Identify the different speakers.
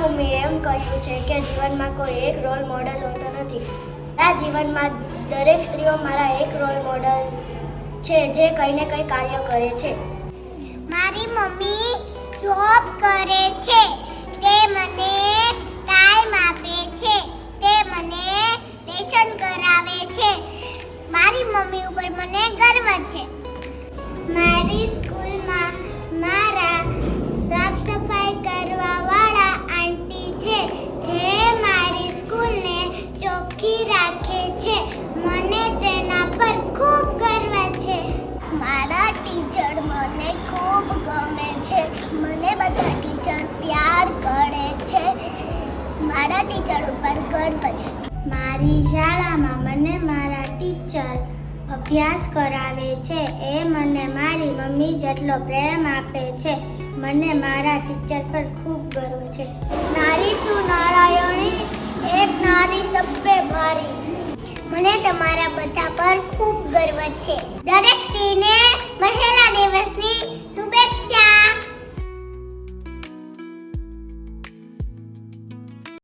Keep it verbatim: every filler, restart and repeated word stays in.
Speaker 1: મમ્મીએ એમ કહ્યું છે કે જીવનમાં કોઈ એક રોલ મોડલ હોતો નથી. મારા જીવનમાં દરેક સ્ત્રીઓ મારા એક રોલ મોડલ છે જે કંઈ ને કંઈ કાર્ય કરે છે.
Speaker 2: મારી મમ્મી જોબ કરે છે. તે મને ટાઈમ આપે છે. તે મને લેસન કરાવે છે. મારી મમ્મી ઉપર મને ગર્વ છે. મારી સ્કૂલમાં મારા સાફ સફાઈ કરવા વાળા આંટી છે જે મારી સ્કૂલને ચોખ્ખી રાખે છે. મને તેના પર ખૂબ ગર્વ છે. મારા ટીચર મને ખૂબ ગમે છે. મને બધા ટીચર પ્યાર કરે છે. મારા ટીચર ઉપર ગર્વ છે. મારી શાળામાં મને મારા ટીચર અભ્યાસ કરાવે છે. એ મને મારી મમ્મી જેટલો પ્રેમ આપે છે. મને મારા ટીચર પર ખૂબ ગર્વ છે. નારી તું નારાયણી, એક નારી સબ પે ભારી. મને તમારા બધા પર ખૂબ ગર્વ છે. દરેક સ્ત્રીને